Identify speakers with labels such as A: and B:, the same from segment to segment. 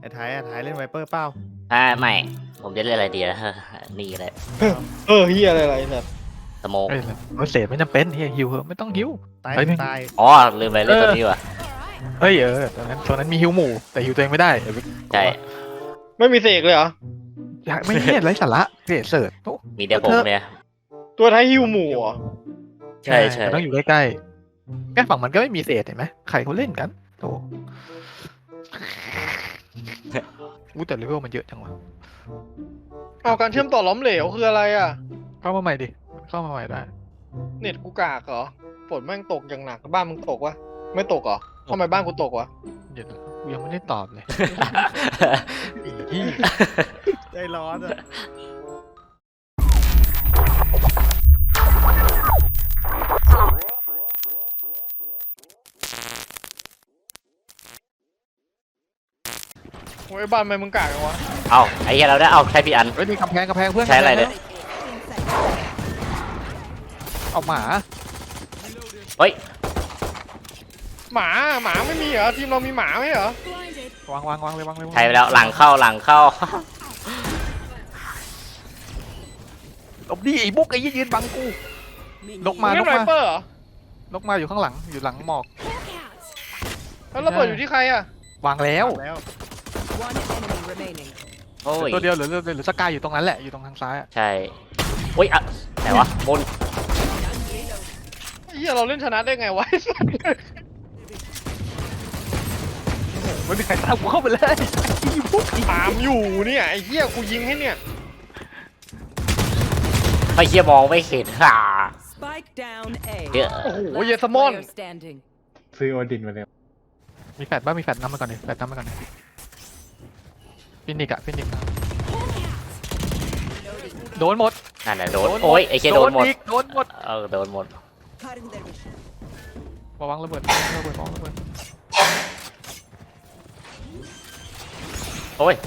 A: ไทยเล่นไวเปอร์เปล่า
B: ไม่ผมจะเล่นอะไรดีนะ นี่เลย
C: เฮียอะไรเนี่ย
B: สโมก
D: เอ้ยเศษไม่จำเป็นเฮียฮิวเหอะไม่ต้องฮิว
A: ตาย
D: เฮ้ย
A: ตาย
B: อ๋อลืมไปเล่นตัวนี้ว่ะ
D: เอ้ยตอนนั้นมีฮิวหมู่แต่ฮิวตัวเองไม่ได้
B: ใช่
C: ไม่มีเสกเลยเหรอ
D: อยากไม่เห็นไรสาระเศษโอ้
B: มีเดียวผมเนี่ย
C: ตัวท้ายฮิวหมู่เหรอ
B: ใช่ใช่
D: แต่ต้องอยู่ใกล้ๆแค่ฝั่งมันก็ไม่มีเศษเห็นไหมใครเขาเล่นกันโอ้แต่เลเวลมันเยอะจังวะ
C: เอาการเชื่อมต่อล้มเหลวคืออะไรอ่ะ
D: เข้ามาใหม่ดิเข้ามาใหม่ได้
C: เน็ตกูกากเหรอฝนแม่งตกอย่างหนักบ้านมึงตกวะไม่ตกเหรอทำไมบ้านกูตกวะ
D: เดี๋ยวนะกูยังไม่ได้ตอบเลยอี
A: ใจร้อนอ่ะ
C: โอ้ยบ้านทำไมมึงกากจังวะ
B: เอาไอ้เหี้ยเราได้เอาใช้พี่อัน
D: เฮ้ยนี่กำแพงเพื่อน
B: ใช้อะไรเนี่ย
D: เอาหมา
B: เฮ้ย
C: หมาไม่มีเหรอทีมเรามีหมาไหมเหรอ
D: วางเลย
B: ใช้ไปแล้วหลังเข้า
D: หลบดิไอ้บุ๊กไอ้ยืนบังกูนกมา
C: เล่นไรเปอร์เหรอน
D: กมาอยู่ข้างหลังอยู่หลังหมอก
C: แล้วระเบิดอยู่ที่ใครอ่ะ
D: วางแล้ว
A: แล้ว
E: One enemy remaining.
B: โอ้ย
D: ตัวเดียวหรือสกายอยู่ตรงนั้นแหละอยู่ตรงทางซ้ายอะ
B: ใช่โอ้ยอะไหนวะบน
C: ไอ้เฮียเราเล่นชนะได้ไงวะ
D: ไม่มีใครตามกูเข้าไปเลยอีบุ๊ก
C: ตามอยู่เนี่ยไอ้เฮียกูยิงให้เนี่ย
B: ไม่เชี่ยมองไม่เห็นฮ่า
E: Spike down A.
B: เดี๋ยว
C: โอ้โหเยสมอน
E: Player standing.
F: ซื้อโอดินมาแล้ว
D: มีแฟดบ้างมีแฟดน้ำมาก่อนดิแฟดน้ำมาก่อนดิฟินิกโดนหมด
B: นั่นแหละโดนโอ้ยไอ้เชี่ยโดนหมด
D: อีกโดนหมด
B: โดนหมด
D: วางระเบิดระเบิด
B: โอ้ย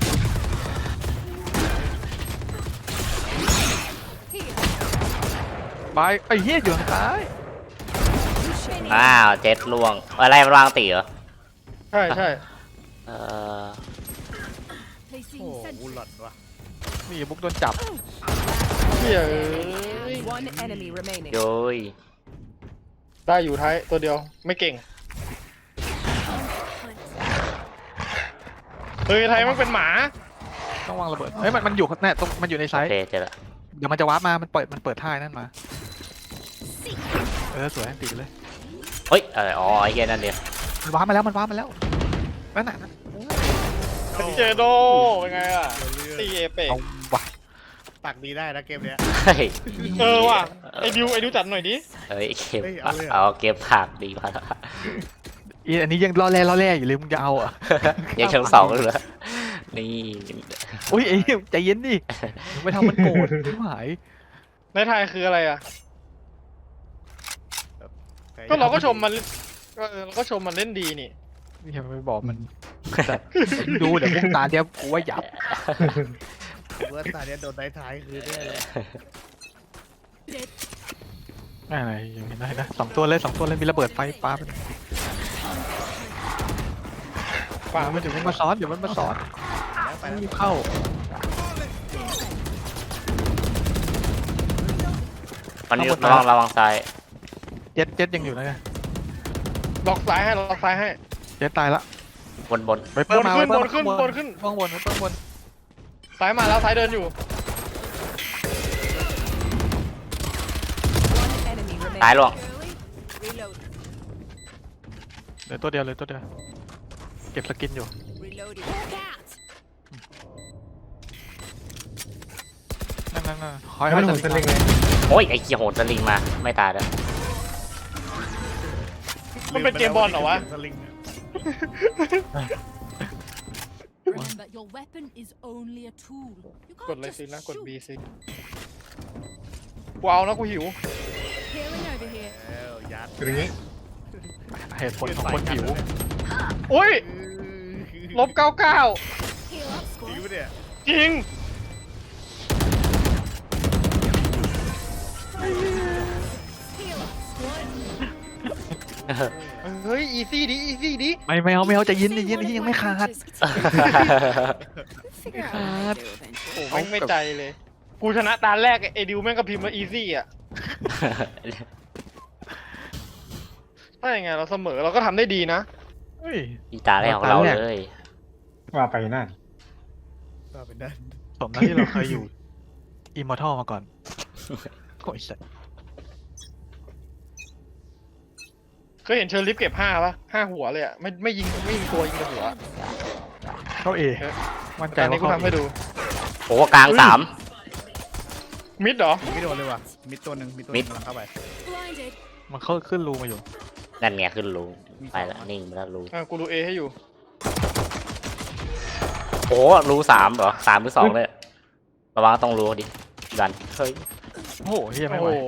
D: ไปไอ้เหี้ยอยู่ทางซ้าย
B: อ้าวเจ็ดล่วงอะไรมันวางตีเหรอ
C: ใช่ใช่
B: เออ
A: โอ้บุลลอดว่ะ
D: นี่บุ๊กโดนจับ
C: เฮีย
E: One enemy remaining.
B: โย้ย
C: ได้อยู่ท้ายตัวเดียวไม่เก่งเฮ้ยไทยมันเป็นหมา
D: ต้องวางระเบิดเฮ้ยมันอยู่แน่ตรงมันอยู่ในไซ
B: โอ
D: ส์
B: เคเจอละ
D: เดี๋ยวมันจะวาร์ปมามันเปิดท่านั่นมาสวยตีไปเลย
B: เฮ้ยอ๋อไอ้เหี้ยนั่นเดียว
D: มันวาร์ปมาแล้วนั่นน่ะ
C: เจโดเป็นไงล่ะตีเอเปก
D: เอาวะ
A: ตักดีได้นะเกมเนี้ย
B: เฮ้ย
C: ว่ะไอ้ดิวจัดหน่อยดิ
B: เฮ้ยเก็บ
A: เฮ้ยเอาเลยเหรอ
B: เอาเก็บผักดีมาก
D: อันนี้ยังล่อแร่อยู่เลยมึงจะเอาอ่ะ
B: ยังชั้นสองเลยเหรอนี่
D: อุ้ยใจเย็นดิไม่ทำมันโกรธไม่หาย
C: ในไทยคืออะไรอ่ะก็เราก็ชมมันเราก็ชมมันเล่นดีนี่
D: นี่ยังไม่บอกมันดูเดี๋ยวพวกตาเดียวกูว่าหยับ
A: เว่าตาเนี้ยโดนท้ายคือเนี่ยเลย
D: อะไรอย่างนี้นะสองตัวเลยมีระเบิดไฟปาไป
C: ป่ามัน
D: เดี๋ยวมันมาซ้อน
A: แล้วไปแล้ว
D: รีบเข้า
B: มันอยู่ระวังซ้าย
D: เจ็ดยังอยู่นะเนี่ย
C: ล็อกซ้ายให้
D: เจ็ดตายละ
B: บน
D: ไปเปิดมา
C: บนขึ้น
D: ข้างบน
C: ซ้ายมาแล้วซ้ายเดินอยู่
E: One enemy remaining.
B: ซ้ายล่วง
E: Reload.
D: เหลือตัวเดียวเก็บสกินอยู่
E: Reloading.
D: นั่นคอย
F: แล้ว
D: ให้
F: มัน
D: ส
F: หมุน
D: ลิ
F: ส
D: ง
F: ลิงเลย
B: โอ้ยไอ้เหี้ยโหดสลิงมาไม่ตายแล้ว
C: มันเป็นเกมบอลเหรอวะ
A: สลิง
G: Remember, your weapon is only a tool. You
C: กด
G: can't
C: เลย
G: just
C: สินะกด
G: shoot.
C: B สิกูเอานะกูหิว
G: Healing over here.
A: แล้วยัด
F: คืออย่างนี้
D: เหตุผลของคนหิว
C: อุ้ยลบ99
G: Heal up,
A: จริง
G: squad.
A: ปะเนี่ย
C: จริง
G: Heal up, squad.
C: เฮ้ยอีซี่ดิอีซี่ดิ
D: ไม่เอาใจเย็นยังไม่ขาด
E: Figure out what to do eventually.
C: โอ้แม่งไม่ใจเลย กูชนะตาแรกไอ้ดิวแม่งก็พิมพ์มาอีซี่อ่ะถ้าอย่างไงเราเสมอเราก็ทำได้ดีนะ
D: เฮ้ย
B: อีตาแรกของเราเลย
F: ว่าไปนั่น
A: ก็เป็นนั่น
D: สมแล้วที่เราเคยอยู่อิมมอร์ทัลมาก่อนโอ้ยสัส
C: เคยเห็นเชอร์ลิฟเก็บ5 ปะ5 หัวเลยอ่ะไม่ยิงตัวยิงแต่หัว
D: เข้าเอมั่นใจ
C: ตอนนี้
D: ว่า
C: กู
D: เข้า
C: ทำให้ดู
B: โอ้กลางสาม
C: มิดเหรอ
A: ไม่โดนเลยว่ะมิดตัวหนึ่งมิดตัวห
B: มิ
A: นึ
B: ด
A: งกำลังเข้าไป
G: Blinded.
D: มันเข้าขึ้นรูมาอยู่
B: นั่นไงขึ้นรูไปแล้วนิ่งไปแล้วรู
C: กูดูเอให้อยู่
B: โอ้รูสามเหรอ3 หรือ 2เลยระวังต้องรูดิดันเฮ้ย
D: โอ้โหเฮีย
C: โอ้
D: ไม่
C: โห
D: ไหว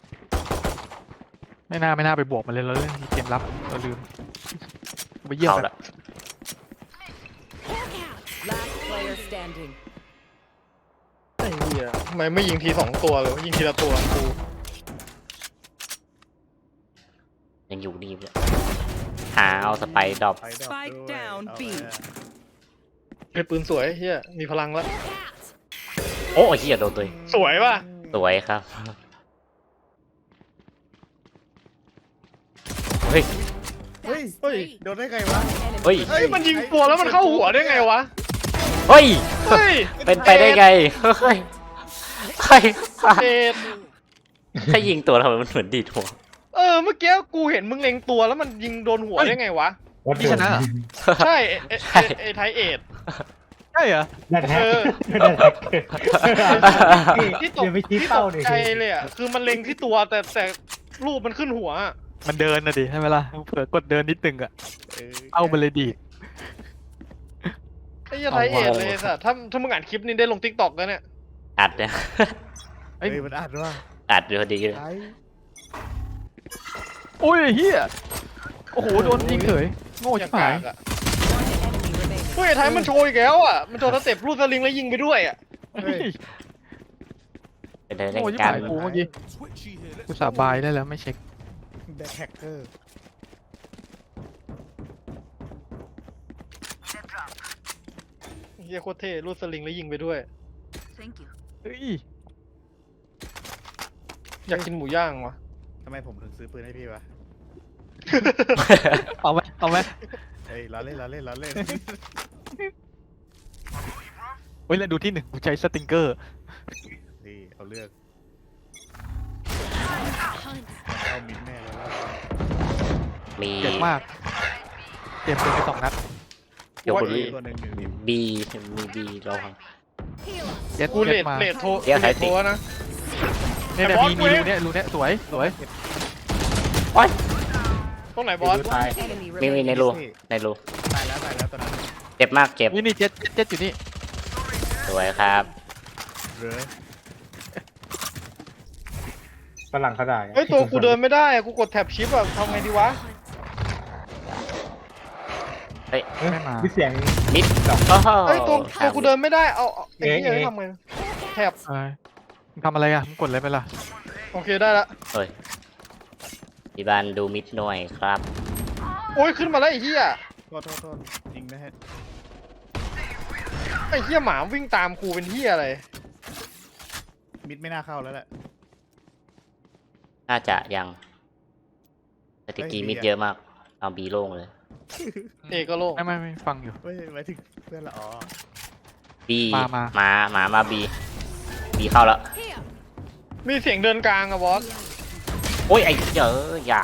D: ไม่น่าไปบวกมันเลยเราเล่นเกมรับเราลืมไปเยี่ยม
B: เอา
D: กัน
B: ละ
E: Last player standing.
C: ไอ้เหี้ยทำไมไม่ยิงที2 ตัวเลยวะยิงทีละตัวกู
B: ยังอยู่นี่เลยหาเอาสไปดรอป
A: ไปดอก
E: Spike
A: ด้วย
E: down
A: เอา
E: B
A: แล้ว
C: เป็นปืนสวยเฮียมีพลังแล้ว
B: โอ้ยเฮียโดนตัวเอง
C: สวยป่ะ
B: สวยครับเฮ้ย
A: เฮ้ย
C: เฮ้ย
A: โดนได้ไงวะ
E: Enemy
B: เฮ้ย
C: เฮ้ยมันยิงตัวแล้วมันเข้าหัวได้ไงวะ
B: เฮ้ย
C: เฮ้ย
B: เป็นไปได้ไงเฮ้ยเฮ้ย
C: เอ็ด
B: ถ้ายิงตัวทำไมมันเหมือนดีดหัว
C: เมื่อกี้กูเห็นมึงเล็งตัวแล้วมันยิงโดนหัวได้ไงวะ
F: วัด
D: พี่ชนะเหรอ
C: ใช่ไอ้ไทยเอ็ด
D: ใช่เหรอ
F: ได้แท็ก
C: เออ
F: ได้แท็ก
C: ที่ตก
F: เดี๋ยวไปชี้
C: ที่ต
F: เป้าก ดิ
C: ใจเลยอ่ะคือมันเล็งที่ตัวแต่รูปมันขึ้นหัวอะ
D: มันเดินนะดิใช่ไหมล่ะเผื่อกดเดินนิดนึงอะ
A: เออ
D: เอาไปเลยดีด
C: ไอ้เหี้ยไทยเอ็ดเลยสัสถ้ามึงอ่านคลิปนี้ได้ลงทิกตอกแล้วเนี่ย
B: อัดเนี่ย
A: เฮ้ยมันอัดว่า
B: อัดอยู่พอดีเลย
A: ไอ้
D: โอ้ยเฮียโอ้โหโดนยิงเฉยโง่
C: อ
D: ชิ
C: ย่าง
D: บหาย
C: กากอ่ะ
E: One enemy remaining.
C: เฮ้ยไอ้ไทยมันโชว์อีกแล้วอ่ะมันโชว์สเต็ปรูดสลิงแล้วยิงไปด้วยอ่ะ
D: เฮ้ย
B: เป็นได้
D: โง่ชิบ
B: การ
D: หายกูเมื่อกี้กูสาบายได้แล้วไม่เช็ค
A: แบ็คแฮกเกอร์
C: เฮียโคตรเท่รูดสลิงแล้วยิงไปด้วย
D: เฮ้ย
C: อยากกินหมูย่างวะ
A: ทำไมผมถึงซื้อปืนให้พี่วะ
D: เอาไหม
A: เฮ้ยล้อเล่น
D: เฮ้ยแล้วดูที่หนึ่งกูใช้สติงเกอร์
A: นี่เอาเลือก
G: Hunt.
A: เอามิดแม่แล้ว
B: มี
D: เจ็บมากเจ็บไป2 นัด
B: เดี๋ยวคุณ
A: ตัวหนึ่งอยู่นี่
B: บีมีบีเราครับ
D: เจ็ด
C: กูเล
D: เจ็
C: ด
D: ดมา
C: เลดโทร
B: เดี๋ยว
C: เลดโทรนะ
D: เนี่ย
C: แต่บอส
D: มี
C: เว้ย
D: รูเนี่ยสวย
C: ตรงไหนบอส
B: ตาย
E: Enemy
B: มี
E: remaining.
B: ในรูในรู
A: ตายแล้วตอนนั้น
B: เจ็บมากเจ็บ
D: นี่เจ็ดอยู่นี่
B: สวยครับ
A: เหลือ
F: ฝรั่งเขาด่า
C: เฮ้ยตัวกูเดินไม่ได้อะกูกดแท็บชิปอะทำไงดีวะ
B: เฮ้ย
D: ไม่มา
F: มีเสียง
B: มิดโอ้โห
C: เฮ้ยตัวกูเดินไม่ได้เอาไอ้เหี้ย
F: เอ๊ะ
C: ทำไงแท็บ
D: มึงทำอะไรอ่ะมึงกดอะไรไปล่ะ
C: โอเคได้ละ
B: เฮ้ยพี่บานดูมิดหน่อยครับ
C: โอ้ยขึ้นมาแล้วไอ้เหี้ย
A: โทษจริงนะฮะ
C: ไอ้เหี้ยหมาวิ่งตามกูเป็นเหี้ยอะไร
A: มิดไม่น่าเข้าแล้วแหละ
B: น่าจะยังแต่ตะกี้
A: เฮ้ย
B: มิดเยอะมากเอาบีโล่งเลย
C: เอก็โล่ง
D: ไม่ฟังอยู่
A: เฮ้ยหมายถึงเพื่อนละอ๋อ
B: บี
D: มา
B: มาบีเข้าแล้ว
G: Here.
C: มีเสียงเดินกลางอะบอส
B: โอ้ยไอ้เจออย่า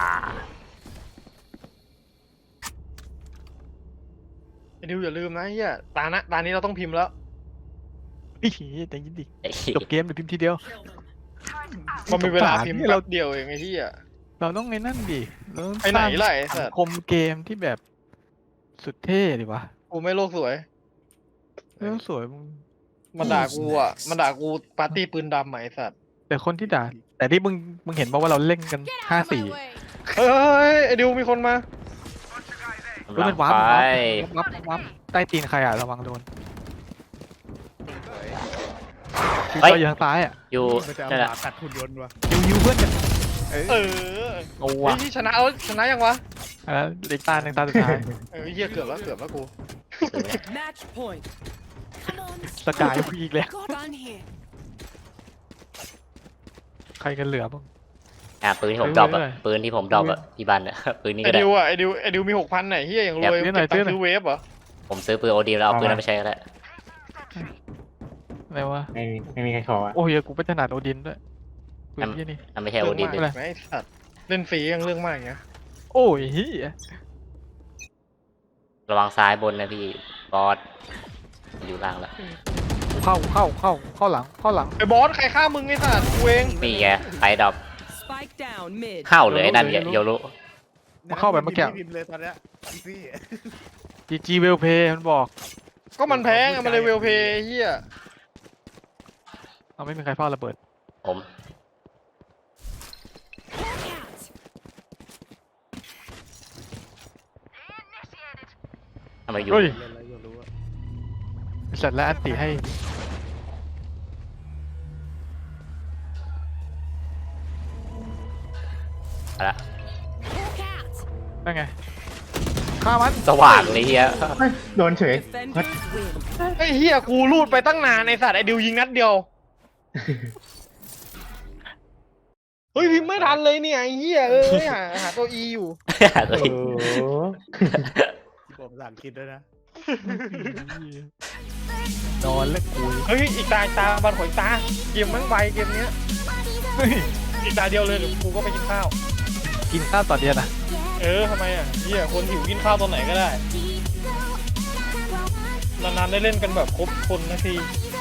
C: ไอ้ดิวอย่าลืมนะไอ้เหี้ยตานี้เราต้องพิมพ์แล้ว
D: อีแต่ยินดิ
B: ไอ้
D: จบเกมเดี๋ยวพิมพ์ทีเดียว
C: มันมีเวลาพิมพ์
D: นี่
C: แป๊
D: เรา
C: บเดียวเองไอ้เหี้ย
D: เราต้องไอ้นั่นดิเราต้อง
C: ไปไหน
D: สร้าง
C: ล่ะไอ้
D: สั
C: สั
D: ง
C: ตว์
D: คมเกมที่แบบสุดเท่ดิวะ
C: กูไม่โลกสวย
D: เรื่องสวยมึง
C: มันด่ากูอ่ะมันด่ากูปาร์ตี้ปืนดำไหมไอ้สัตว์
D: แต่คนที่ด่าแต่ที่มึงเห็นป่าว่าเราเล่นกัน
G: Get out of my
D: 5-4
G: way.
C: เฮ้ยไอ้ดิวมีคนมา
B: กำลั
D: เป็
B: ง
D: นวาร์ป
B: ไป
D: วับใต้ตีนใครอ่ะระวังโดนคือ
B: เฮ้ย
D: จออยู่ทางซ้ายอ่ะ
B: อยู่
A: มันจะเอา
B: นั่น
A: ห
B: แหละ
A: มากัดหุ่นยนต์วะ
D: ยิวเพื่อนกัน
C: เออ
D: โอ้
C: เฮ้
D: ว่ะ
C: ยที่ชนะเอาชนะยังวะ
D: แล้วอีกตาหนึ่งตาสุดท้าย
C: เหี้ยเกือบแล้วกู
E: Match point.
D: สกายอีกแล้ว
E: Gun here.
D: ใครกันเหลือบ้าง
B: ปืนที่ผมดรอปอะ
D: เรื่อยๆ
B: ปืนที่ผมดรอปอะที่บ้านอะปืนนี้
C: ไอ
B: ก็ได้
C: ดิวอ่ะไอดิวมี6,000ไหนเฮียอย่างรวย
D: เดี๋ยว
C: เก็บตัง
D: ซื้อ
C: ค์
D: หน่อย
C: ซื้อเวฟเหรอ
B: ผมซื้อปืนโอดีแล้วเอาปืนนั้นไปใช้ก็ได้
D: อะไรวะ
F: ไม่มีใครขออ่ะ
D: โอ้ยกูเป็นถนัดโอดินด้วยปืนที่นี่
B: นั่นไม่ใช่โอ
C: เรื่อง
B: ดี
C: มากไหมไอ้สัตว์เล่นฟรียังเรื่องมากอย่างเงี้ย
D: โอ้ยเฮีย
B: ระวังซ้ายบนนะพี่บอสอยู่ล่างแล้ว
D: เข้าหลัง
C: ไอ้บอสใครฆ่ามึงไอ้สัตว์กูเอง
B: นี่ไงไปดรอป
E: Spike down mid.
B: เข้าเลยไอ้นั่นเนี่ยโยรุ
D: มาเข้าแบบเมื่อกี้
A: พิมพ์เลยตอนเนี้ยอีซี่
D: จีเวลเพย์มันบอก
C: ก็มันแพงอะมันเลยเวลเพย์เฮีย
D: เอาไม่มีใครเฝ้าระเบิด
B: ผมทำไมอยู่
D: เฮ้ย
A: เล่นแล้วยังรู้ว่า
D: เสร็จแล้วอันติให้
B: เอาละ
D: นั่นไงฆ่ามัน
B: สว่างเลยเฮีย
F: เฮ้ยโดนเฉย
E: Defenders win.
C: ไอ้เฮียกูรูดไปตั้งนานไอ้สัตว์ไอ้ดิวยิงนัดเดียวเฮ้ยพิมพ์ไม่ทันเลยเนี่ยไอ้เฮียหาตัวอีอยู่
F: โอ้โห
A: ที่ผมสั่งคิดด้วยนะ
D: นอนแล้วกู
C: เฮ้ยอีกตาบันขอยตาเกมมั่งใบเกมเนี้ย
D: เฮ้ย
C: อีกตาเดียวเลยเดี๋ยวกูก็ไปกินข้าว
D: กินข้าวต่อเดือนอ่ะ
C: ทำไมอ่ะเฮียคนหิวกินข้าวตอนไหนก็ได้นานๆได้เล่นกันแบบครบคนนาที